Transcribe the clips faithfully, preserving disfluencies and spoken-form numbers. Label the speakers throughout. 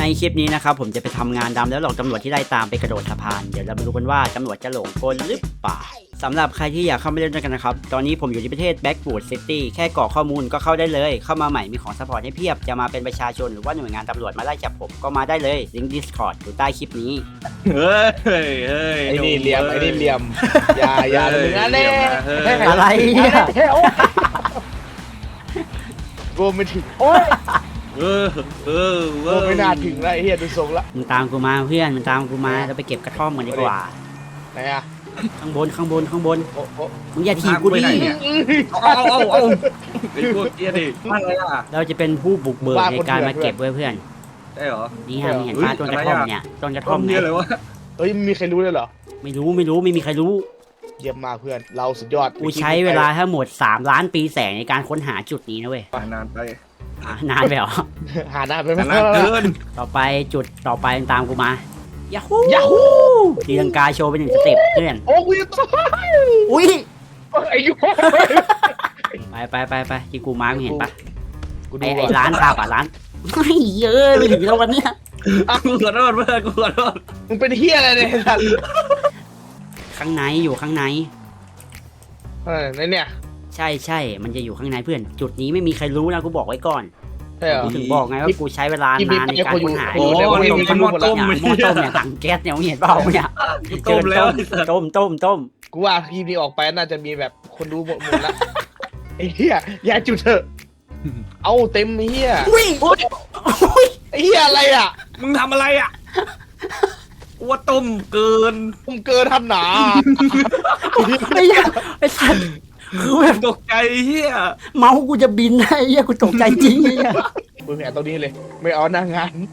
Speaker 1: ในคลิปนี้นะครับผมจะไปทำงานดำแล้วหลอกตำรวจที่ไล่ตามไปกระโดดสะพานเดี๋ยวเรามาดูกันว่าตำรวจจะหลงกลหรือเปล่าสำหรับใครที่อยากเข้ามาเล่นด้วยกันนะครับตอนนี้ผมอยู่ที่ประเทศ Blackwood City แค่กรอกข้อมูลก็เข้าได้เลยเข้ามาใหม่มีของซัพพอร์ตให้เพียบจะมาเป็นประชาชนหรือว่าหน่วยงานตำรวจมาไล่จับผมก็มาได้เลยลิงก์ Discord อยู่ใต้คลิปนี้
Speaker 2: เฮ้ยเฮ้ย
Speaker 3: ไอ้นี่เหลี่ยมไอ้นี่เหลี่ยมอย่าอย่าเลยนะเล่
Speaker 1: อะไรเนี่ย
Speaker 3: โกไม่ถึงโอ้ย
Speaker 2: เออเออ
Speaker 3: โกไม่น่าถึงแล้วไอ้เหี้ยดูทรงละ
Speaker 1: มึงตามกูมาเพื่อนมึงตามกูมาเราไปเก็บกระท่อมกันดีกว่า
Speaker 3: ไหนอะ
Speaker 1: ข้างบนข้างบนข้างบน
Speaker 3: โอ้โห
Speaker 1: มึงอย่าถีบกูดิ
Speaker 2: เอาเอาเอาไอ้พวกเกี้ยดิอะไรอ่ะ
Speaker 1: เราจะเป็นผู้บุกเบิกในการมาเก็บเว้ยเพื่อน
Speaker 2: ได้เหรอ
Speaker 1: นี่ฮะมึงเห็นป้าต้นกระท่อมเนี่ยต้นกระท่อมเนี่ย
Speaker 3: เฮ้ยมีใครรู้เลยเหรอ
Speaker 1: ไม่รู้ไม่รู้ไม่มีใครรู้
Speaker 3: เยี่ยมมากเพื่อนเราสุดยอด
Speaker 1: กูใช้เวลาทั้งหมดสามล้านปีแสงในการค้นหาจุดนี้นะเว้ย
Speaker 2: นานไป
Speaker 1: นานไปเหรอ
Speaker 3: หานานไปไหม
Speaker 2: นานเกิน
Speaker 1: ต่อไปจุดต่อไปตามกูมายาฮู
Speaker 3: ยาฮู
Speaker 1: ตีลังกาโชว์เป็นหนึ่งสเต็ปเพื่อน
Speaker 3: โอ้กูจะตาย
Speaker 1: อุ้ย
Speaker 3: ไอ้ยุ
Speaker 1: ไปไปไปไปที่กูมาร์กเห็นปะไอ้ไอ้ร้านข้าวป่ะร้านไม่เยอะไปถึงแล้ววันเนี้ย
Speaker 2: กูขอโทษเพื่อนกูขอโทษ
Speaker 3: มึงเป็นเฮียอะไรเนี่ย
Speaker 1: ข้างในอยู่ข้างใน
Speaker 3: เออในเนี่ย
Speaker 1: ใช่ใช่มันจะอยู่ข้างในเพื่อนจุดนี้ไม่มีใครรู้นะกูบอกไว้ก่อนกูถึงบอกไงว่ากูใช้เวลานานในการค้นหา
Speaker 2: โอ้ยมันหมดต้ม
Speaker 1: หม้อต้มเนี่ยถังแก๊สเนี่ยเห็นเปล่าเนี่ย
Speaker 2: ต้มแล้ว
Speaker 1: ต้มต้มต้ม
Speaker 3: กูว่าทีนี้ออกไปน่าจะมีแบบคนรู้หมดหมดละไอ้เหี้ยอย่าจุดเถอะเอาเต็มเหี้ย
Speaker 1: อุ้ย
Speaker 3: ไอ้เหี้ยอะไรอ่ะ
Speaker 2: มึงทำอะไรอ่ะว่าต้มเกิน
Speaker 3: ต้มเกินทำหนา
Speaker 1: ไอ้ไอ้สัตว์คือแบบ
Speaker 2: ตกใจเฮีย
Speaker 1: เมาส์กูจะบินไอ้เหี้ยกูตกใจจริงไอ้เหี้ย
Speaker 3: มึงแหนตรงนี้เลยไม่เอาหน้างาน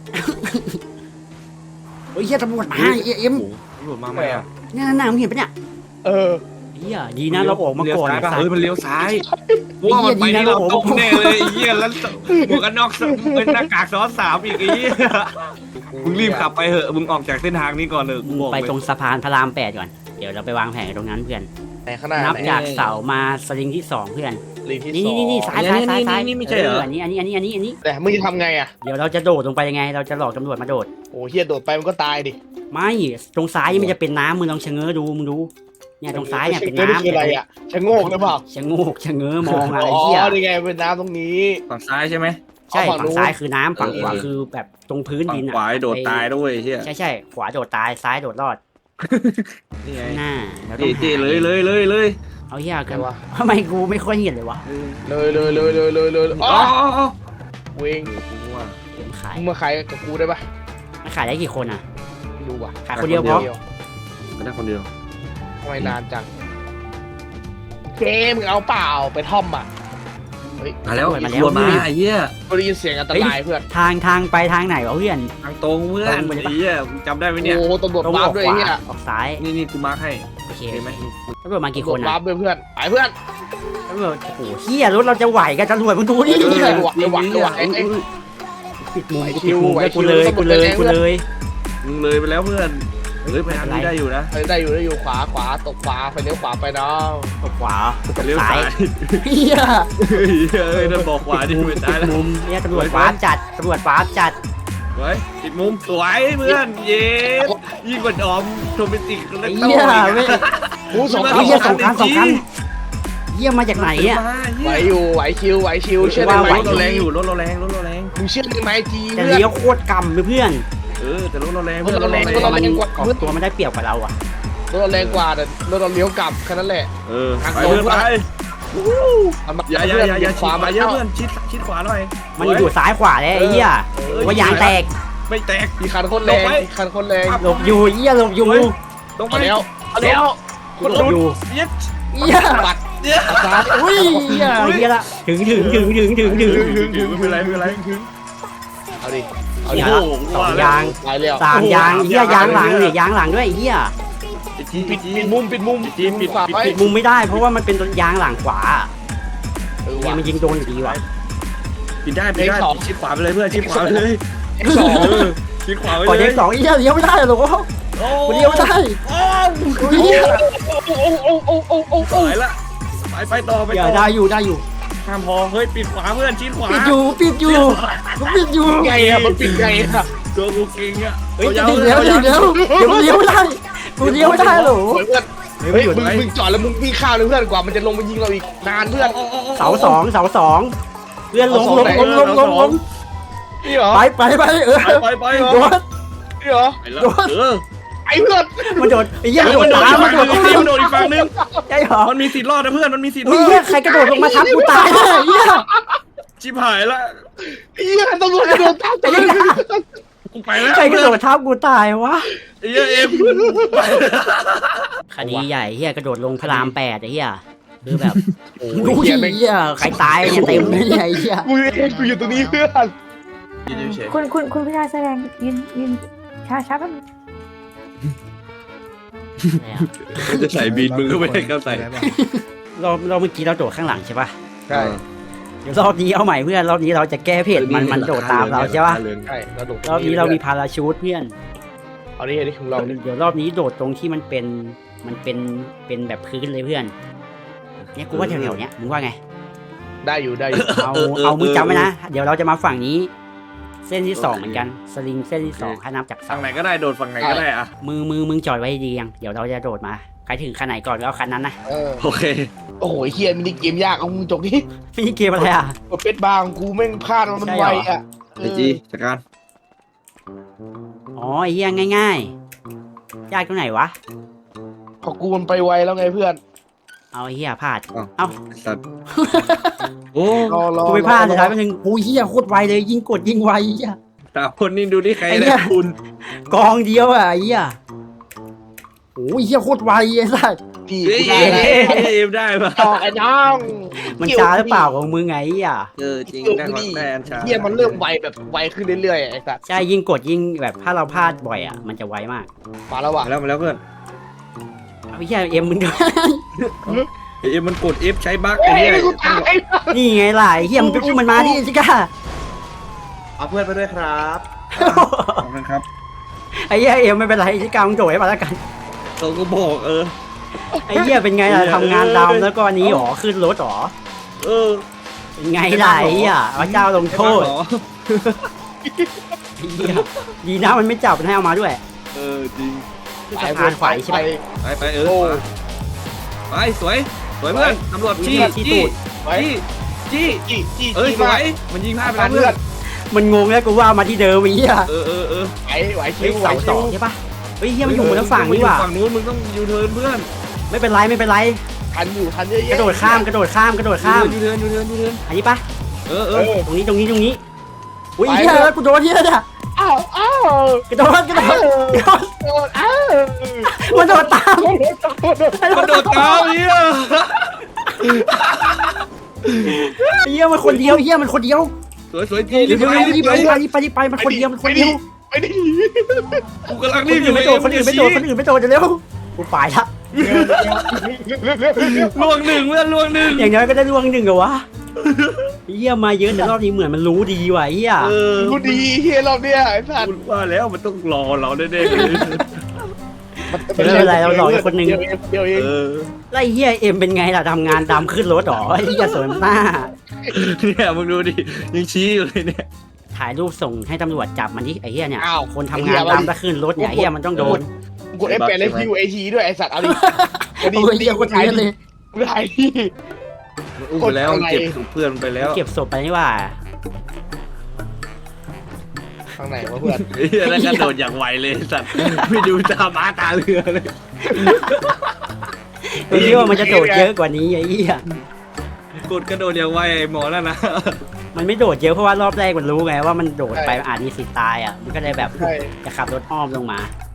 Speaker 1: โอ้ยเหี้ยตำรวจมาเอ็ม
Speaker 2: ตำรวจมาไหมอ่ะ
Speaker 1: เนี่ยน่ามึงเห็นปะเนี่ย
Speaker 3: เออ
Speaker 1: เฮียดีนะเราออกมาก่อน
Speaker 2: เฮ้ยมันเลี้ยวซ้ายว่ามันไปนี่เราตกแน่เลยเฮียแล้วหมวกกันน็อกเป็นหน้ากากซ้อนสามอีกไอ้เฮียมึงรีบขับไปเหอะมึงออกจากเส้นทางนี้ก่อนเลย
Speaker 1: ไปตรงสะพานพระรามแปดก่อนเดี๋ยวเราไปวางแผนตรงนั้นเพื่อนนับจากเสามาสลิงที่สองเพื่อนนี่นี่นี่ซ้ายซ้ายซ้ายซ้าย
Speaker 2: นี่ไม่ใช่เหรอ
Speaker 1: อันนี้อันนี้อันนี้อันนี้อันนี้
Speaker 3: แต่มึงจะทำไงอ่ะ
Speaker 1: เดี๋ยวเราจะโดดลงไปยังไงเราจะหลอกตำรวจมาโดด
Speaker 3: โอ้เฮียโดดไปมันก็ตายดิ
Speaker 1: ไม่ตรงซ้ายมันจะเป็นน้ำมึงลองชะเง้อดูมึงดูเนี่ยตรงซ้ายเนี่ยเป็นน้ำ
Speaker 3: อะไรอ่ะชะโงกหรือเปล่า
Speaker 1: ชะโงกชะเง้อมองอะไรเหี้ย
Speaker 3: อ๋อนี่ไงเป็นน้ำตรงนี้
Speaker 2: ฝั่งซ้ายใช่ไหม
Speaker 1: ใช่ฝั่งซ้ายคือน้ำฝั่งขวาคือแบบตรงพื้นดินอ่ะ
Speaker 2: ขวาโดดตายด้วยใช่
Speaker 1: ใช่ใช่ขวาโดดตายซ้ายโดดรอด
Speaker 2: นี่ไง
Speaker 1: หน้า
Speaker 2: เจ๊เลยเลยเลยเลย
Speaker 1: เอาเหี้ยกันวะทำไมกูไม่ค่อยเห็นเลยวะ
Speaker 3: เลยเลยเลยเลยเลยเลยอ๋อเวง
Speaker 1: มึงขาย
Speaker 3: มึงมาขายกับกูได้ปะ
Speaker 1: มาขายได้กี่คนอ่ะ
Speaker 3: ไม่รู้ว่ะ
Speaker 1: ขายคนเดียวพอ
Speaker 2: ไม่ได้คนเดียว
Speaker 3: ทำไมนานจังเกมมึงเอาเปล่าไปท่อมอ่ะ
Speaker 2: มาแล้วมาแล้วมาไอ้เหี้ย
Speaker 3: ได้ยินเสียงอันตรายเพื่อน
Speaker 1: ทางทางไปทางไหนวะเพื่อน
Speaker 2: ทางตรงเพื่อนไอ้เหี้ยจำได้ไหมเนี่ย
Speaker 3: โอ้ตำรวจวาร์ปด้วยเนี่ย
Speaker 1: ออกซ้าย
Speaker 2: นี่นี่กูมาร์คให้
Speaker 1: โอเคไหมตำรวจมากี่คน
Speaker 3: วาร์ปด้วยเพื่อนไปเพื่อน
Speaker 1: ตำรวจโอ้โหเหี้ยรถเราจะไหวกันตำรวจมึงดูดิ
Speaker 3: ไหวไหวไหว
Speaker 1: ปิดมุมปิดมุมกูเลยกูเลยกูเลย
Speaker 2: มึงเลยไปแล้วเพื่อนเฮ้ยไปทางนี้ได้อยู่นะ
Speaker 3: ได้อยู่ได้อยู่ขวาขวาตกขวาไปเลี้ยวขวาไปน้อง
Speaker 1: ตกขวา
Speaker 2: เลี้ยวซ้าย
Speaker 1: เฮีย
Speaker 2: เฮ้ยนั่นบอกขวาดิไม่ได้แล้ว
Speaker 1: มุมเนี่ยตำรวจฟ้าจัดตำรวจฟ้าจัด
Speaker 2: เฮ้ยติดมุมสวยเพื่อนเย้ยิ่งกว่าดอมโรแมนติก
Speaker 1: เลยเฮียไม่
Speaker 3: หูสองคัน
Speaker 1: เฮียสองคันสองคันเฮียมาจากไหนเนี่ย
Speaker 3: ไหวอยู่ไหวชิวไหวชิวเชื่อได้ไหม
Speaker 2: รถเราแรงอยู่รถเราแรงรถเราแรง
Speaker 3: มึงเชื่อได้ไหมจี
Speaker 1: แต่เลี้ยวโคตรกำเลยเพื่อน
Speaker 2: เออแต่รถเราแรง
Speaker 3: รถเราแรงรถเราแรงกว่า
Speaker 1: ตัวมันได้เปรียบกว่าเราอ่ะ
Speaker 3: รถเราแรงกว่าแต่รถเราเลี้ยวกลับแค่นั้นแหละ
Speaker 2: เออไปเพื่อนไปอย่าอย่าอย่าอย่าขวามาเยอะเพื่อนชิดชิดขวาหน่อย
Speaker 1: มันอยู่ซ้ายขวาเลยไอ้เหี้ยว่ายางแตก
Speaker 2: ไม่แตก
Speaker 3: มีคันคนแรงมีคันคนแรง
Speaker 1: หลบอยู่เหี้ยหลบอยู่
Speaker 3: ลงมาแล้วแล้ว
Speaker 1: คนหลบอยู่
Speaker 3: เหี้ยเหี้ยบัดเหี้ย
Speaker 1: อุ้ยเหี้ยเหี้ยละถึงถึงถึงถึงถึงถึง
Speaker 2: ถึงถึงไม่เป็นไรไม่เป็นไร
Speaker 3: เอาดิ
Speaker 1: เอาดิสองยางสามยางเหี้ยยางหลังเนี่ยยางหลังด้วยเหี้ย
Speaker 3: ปิดปิดมุมปิดมุม
Speaker 2: ปิดปิด
Speaker 1: ปิดมุมไม่ได้เพราะว่ามันเป็นตัวยางหลังขวาเนี่ยมันยิงโดนอยู่ดีว่ะ
Speaker 2: ปิดได้ปิดได้ชิดขวาไปเลยเพื่อนชิดขวาไปเลยสองชิดขวาไปเลย
Speaker 1: ก่อนเด็กสองเหี้ยเลี้ยวไม่ได้หรอกกูเลี้ยวไม่ได้
Speaker 3: โอ้โหโอ้โหโอ้โหโอ้โห
Speaker 2: ไปละไปไปต่อไปต่อ
Speaker 1: ได้อยู่ได้อยู่
Speaker 2: ห้ามพอเฮ้ยปิดขวาเพื่อนชิดขวา
Speaker 1: ปิดอยู่ปิดอยู่ปิดอยู่
Speaker 3: ไงอะมันปิดไงอะ
Speaker 2: ตัวกูเก่งอ่ะ
Speaker 1: เฮ้ยเดี๋ยวเดี๋ยวเดี๋ยวเดี๋ยวเดี๋ยวเลี้ยวไม่ได้กูเลี้ยวไม่ได้หรอ
Speaker 3: เพื่อนเฮ้ยมึงมึงจอดแล้วมึงวิ่งข้ามเลยเพื่อนกว่ามันจะลงมายิงเราอีกนานเพื่อน
Speaker 1: เสาสองเสาสองเพื่อนลงลงลงลงลงลง
Speaker 3: นี่เหรอ
Speaker 1: ไปไปไปเออ
Speaker 2: ไปไป
Speaker 1: โดน
Speaker 3: นี่เหรอ
Speaker 2: ไปแล้วเออ
Speaker 3: ไอ้เพื่อน
Speaker 1: มันโดดไอ้เหี้ย
Speaker 2: มัน
Speaker 1: โดด
Speaker 2: โดด
Speaker 1: ตาม
Speaker 2: อีก
Speaker 1: มัน
Speaker 2: ฝั่ง
Speaker 1: โด
Speaker 2: นึ
Speaker 1: ด
Speaker 2: งมันโดดอีกฝั่งนึง
Speaker 1: ใช่เหรอ
Speaker 2: มันมีสิทธิ์รอดนะเพื่อนมันมีสิทธิ์ร
Speaker 1: อุ้ย
Speaker 2: อด
Speaker 1: เหี้ยใครกระโดดลงมาทับกูตายเลยเหี้ย
Speaker 2: ชิบหายละ
Speaker 3: ไอ้เหี้ยตำรวจกระโดดตามตัวเลย
Speaker 2: กูไปแล้ว
Speaker 1: ใครกระโดดทับกูตายวะ
Speaker 2: ไอ้เหี้ยเอ็มไป
Speaker 1: คดีใหญ่เหี้ยกระโดดลงพระรามแปดไอ้เหี้ยคือแบบ
Speaker 3: โอ้
Speaker 1: ดู
Speaker 3: ย
Speaker 1: เหี้
Speaker 3: เหี้ยแม่ง
Speaker 1: ยใครตายเนี่ยเต็มเลยเนี่ยไอ้เหี้ย
Speaker 3: กูเองกูอยู่ตรงนี้เพื่อน
Speaker 4: คุณคุณคุณพิธาแสดงยืนยืนช้าช้าแป๊บนึง
Speaker 2: จะใส่บีนมึงก็ไม่ให้เขาใส่
Speaker 1: รอบรอบเมื่อกี้เราโดดข้างหลังใช่ปะ
Speaker 3: ใช่
Speaker 1: เดี๋ยวรอบนี้เอาใหม่เพื่อนรอบนี้เราจะแก้เพจมันมันโดดตามเราใช่ปะ
Speaker 3: ใช่เราโดด
Speaker 1: รอบนี้เรามีพาราชูทเพื่อน
Speaker 3: เอาดิเอาดิของเราดิ
Speaker 1: เดี๋ยวรอบนี้โดดตรงที่มันเป็นมันเป็นเป็นแบบพื้นเลยเพื่อนเนี่ยกูว่าแถวๆเนี้ยมึงว่าไง
Speaker 3: ได้อยู่ได้อยู่
Speaker 1: เอาเอามึงจำไว้นะเดี๋ยวเราจะมาฝั่งนี้ เส้นที่สองเหมือนกันสลิงเส้นที่สองถ้านับจาก
Speaker 2: ฝั่
Speaker 1: เสาง
Speaker 2: ไหนก็ได้โดดฝั่งไหนก็ได้อะ
Speaker 1: มือมือมึงจอดไว้ดียังเดี๋ยวเราจะโดดมาใครถึงคันไหนก่อนก็เอาคันนั้นนะ
Speaker 3: เออ
Speaker 2: โอเค
Speaker 3: โอ้โหเฮียมินิเกมยากเอามึงจบดิ
Speaker 1: ฟินิเกมอะไรอ่ะ
Speaker 3: เป็ดบางกูแม่งพลาดมันไวอ่ะ
Speaker 2: ไอจีจัดการ
Speaker 1: อ๋อไอ้เหี้ยง่ายๆยากตรงไหนวะ
Speaker 3: พอกูมันไปไวแล้วไงเพื่อน
Speaker 1: เอาไอ้เหี้ยพลาดเอ้า
Speaker 2: สัตว์โอ้
Speaker 3: รอรอ
Speaker 1: กูไปพลาดเลยท้ายไปหนึ่งกูเหี้ยโคตรไวเลยยิงกดยิงไวเหี้ย
Speaker 2: ตาคนนี่ดูที่ใคร
Speaker 1: ไอ้เหี้
Speaker 2: ได้
Speaker 1: ย
Speaker 2: คุณ
Speaker 1: กองเดียวอ่ะไอ้เหี้ยโอ้ยเหี้ยโคตรไวไอ้สัส
Speaker 3: พี่
Speaker 2: เฮ้ย
Speaker 3: กูได้แล้ว
Speaker 2: เอ็มได้ปะ
Speaker 3: ต่อไอ้น้อง
Speaker 1: มันช้าหรือเปล่าของมึงไงไอ้เหี้ย
Speaker 2: เออจริงได้ขอแทนชา
Speaker 3: เฮียมันเริ่มไวแบบไวขึ้นเรื่อยๆไอ้สัส
Speaker 1: ใช่ยิ่งกดยิ่งแบบถ้าเราพลาดบ่อยอ่ะมันจะไวมาก
Speaker 3: มาแล้วว่ะ
Speaker 2: มาแล้วมาแล้วเพื่อน
Speaker 1: เอาไอ้เหี้ยเอ็มมึงด้วย
Speaker 2: เอ็มมันกด F ใช้บั๊ก
Speaker 3: เฮ้
Speaker 2: ไอ้
Speaker 3: ย
Speaker 2: เนี่ย
Speaker 3: กูตาย
Speaker 1: นี่ไงล่ะไอ้เหี้ยมึงไปอุ้มมันมาดิชิก้า
Speaker 5: เอาเพื่อนไปด้วยครับ
Speaker 2: ขอบคุณครับ
Speaker 1: ไอ้เหี้ยเอ็มไม่เป็นไรชิก้ามึงโดดให้มาแล้วกัน
Speaker 2: เขาก็บอกเออ
Speaker 1: ไอ้เหี้ยเป็นไงล่ะทำงานดำแล้วก็อันนี้หรอขึ้นรถหรอ
Speaker 2: เออ
Speaker 1: เป็นไงล่ะไอ้เหี้ยพระเจ้าลงโทษ
Speaker 2: ใช่ปะหรอ
Speaker 1: ไอ้เหี้ยดีนะมันไม่จับมันให้เอามาด้วย
Speaker 2: เออจริง
Speaker 1: คือสะพานขวายใช่ไหม
Speaker 2: ไปไปเออไปสวยสวยเพื่อนตำรวจจี้
Speaker 1: จี้
Speaker 2: จี้
Speaker 1: ตูด
Speaker 2: จี้จี้
Speaker 3: จี้จี้
Speaker 2: เอ้ย
Speaker 3: จี้
Speaker 2: สว
Speaker 3: มาย
Speaker 2: มันยิงพลาดไป
Speaker 3: ตา
Speaker 2: แล้ว
Speaker 3: ม
Speaker 2: เพื่
Speaker 3: เพื่
Speaker 2: อ
Speaker 3: อน น
Speaker 1: มันงงแล้วกูว่ามาที่เดิมไอ้เหี้ย
Speaker 2: เออเออเออ
Speaker 3: ไหวไหวคิ
Speaker 1: เฮ้ยว
Speaker 3: ไหว
Speaker 1: เสาส
Speaker 3: คิ
Speaker 1: อ
Speaker 3: ว
Speaker 1: งใช่ปะเฮ้ยเหี้ยมันอยู่บนฝั่งนี่หว่า
Speaker 2: ฝั่งนู้นมึงต้องยูเทิร์นเพื่อน
Speaker 1: ไม่เป็นไรไม่เป็นไร
Speaker 3: ทันอยู่ทันเยอะ
Speaker 1: ก
Speaker 3: แยะ
Speaker 1: ระโดดข้ามกระโดดข้ามกระโดดข้าม
Speaker 2: ยูเทิร์นยูเทิร์นยูเทิร์น
Speaker 1: อันนี้ปะ
Speaker 2: เออเอ
Speaker 3: เอ
Speaker 2: อ
Speaker 3: อ
Speaker 1: ตรงนี้ตรงนี้ตรงนี้อุ้ย
Speaker 3: ไป
Speaker 1: เหี้ยแล้วกูโดนเหี้ยเนี่ย
Speaker 3: อ้าวอ้าว
Speaker 1: กระโดดกระโดดกระโดด
Speaker 3: โดนอ้าว
Speaker 1: มันโดดตาม
Speaker 2: กระโดดเท้าเฮีย
Speaker 1: เหี้ยมันคนเดียวเหี้ยมันคนเดียว
Speaker 2: สวยสวยจี้
Speaker 1: เดี๋
Speaker 2: รี
Speaker 1: ยว
Speaker 2: บ
Speaker 1: เดี๋ยว
Speaker 2: ไป
Speaker 1: รี
Speaker 2: รี
Speaker 1: บบ ไป
Speaker 2: ไป
Speaker 1: รีบไปรีบไปมันคนเดียวมันคนเดียว
Speaker 3: ไปดิ
Speaker 2: กูกำลัง
Speaker 1: คน
Speaker 2: รีบอ
Speaker 1: อื่
Speaker 2: ยู่
Speaker 1: นไม่โดดคนอื่นไม่โดดคนอื่นไม่โดดเดี๋ยวเร็วกูไปละ
Speaker 2: ล่วงหนึ่งเพื่อนล่วงหนึ่ง
Speaker 1: อย่างน้อยก็ได้ล่วงหนึ่งเหรอวะเหี้ยมาเยอะแต่รอบนี้เหมือนมันรู้ดีว่ะเหี้ย
Speaker 2: เออ
Speaker 3: กูดีเฮียรอบเนี้ยไอ้สัตว์
Speaker 2: กูว่าแล้วมันต้องรอเราแน่ๆเลย
Speaker 1: ไม่เป็นไรเราหลอกอีกคนนึง
Speaker 3: เดียวเองเดียวเอง
Speaker 2: เออ
Speaker 1: ไล่เหี้ยเอ็มเป็นไงล่ะทำงานดำขึ้นรถหรอไอ้เหี้ยสวยมาก
Speaker 2: เนี่ยมึงดูดิยังชี้อยู่เลยเนี่ย
Speaker 1: ถ่ายรูปส่งให้ตำรวจจับมันดิไอ้เหี้ยเนี่ย
Speaker 3: อ้าว
Speaker 1: คนทำงานดำถ้าขึ้นรถเนี่ยไอ้เหี้ยมันต้องโดน
Speaker 3: กดเอฟแปดเลยคิวเอทีด้วยไอ้สัตว์เอาดิ
Speaker 1: โอ้ยเหี้ยคนนี้เลย
Speaker 3: กูถ่ายที่
Speaker 2: อุ้มไปแล้วเก็บเพื่อนไปแล้ว
Speaker 1: เก็บศพไปนี่ว่า
Speaker 3: ข้างไหนวะเพื่อน
Speaker 2: เฮียแล้วกระโดดอย่างไวเลยสัตว์ไม่ดูตาม้าตาเรือเลย
Speaker 1: ไอ้เหี้ยว่ามันจะโดดเยอะกว่านี้ไอ้เหี้ย
Speaker 2: กดกระโดดอย่างไวไอ้หมอนั่นนะ
Speaker 1: มันไม่โดดเยอะเพราะว่ารอบแรกมันรู้ไงว่ามันโดดไปอาจมีสิทธิ์ตายอ่ะมันก็เลยแบบ
Speaker 3: ใช่
Speaker 1: จะขับรถอ้อมลงมา